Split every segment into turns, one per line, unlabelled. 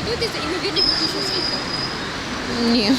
готуєтеся до ймовірних відключень світла?
Ні.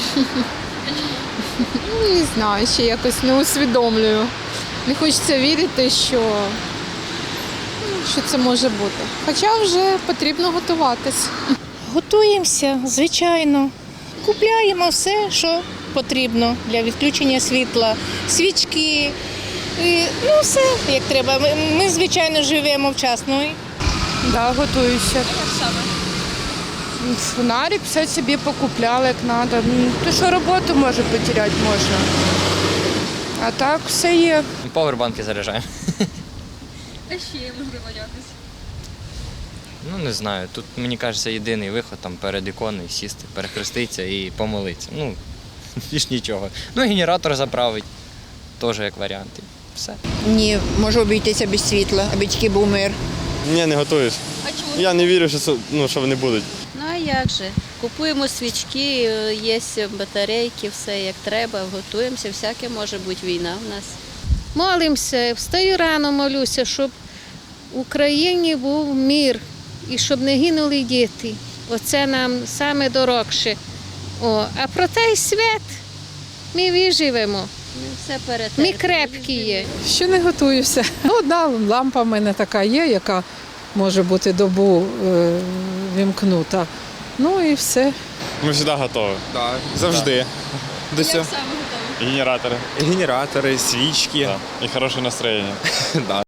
Не знаю, ще якось не усвідомлюю. Не хочеться вірити, що це може бути. Хоча вже потрібно готуватись.
Готуємося, звичайно. Купляємо все, що потрібно для відключення світла, свічки, все як треба. Ми звичайно, живемо вчасно.
Да, готуюся.
Як саме?
Фонарик все собі покупляла, як треба. То що роботу може потеряти можна. А так все є.
Павербанки заряджаємо.
А ще, можливо, якось.
Ну, не знаю. Тут, мені кажеться, єдиний виход там перед іконою сісти, перехреститися і помолитися. Ну, більш нічого. Ну, генератор заправить, теж як варіант. І все.
Ні, можу обійтися без світла, аби тільки був мир.
Ні, не готуюсь.
А чому?
Я не вірю, що вони будуть.
Ну а як же? Купуємо свічки, є батарейки, все як треба, готуємося, всяке може бути війна в нас.
Молимося, встаю рано, молюся, щоб в Україні був мир і щоб не гинули діти. Оце нам саме дорогше. А про той світ ми виживемо.
Ми все перетерпимо.
Ми крепкі є.
Ще не готуюся. Одна лампа в мене така є, яка може бути добу вімкнута. Ну і все.
Ми завжди готові.
Так,
Завжди.
До
Як
цього.
саме готові?
Генератори.
Генератори, свічки.
І хороше настроєння.
Да.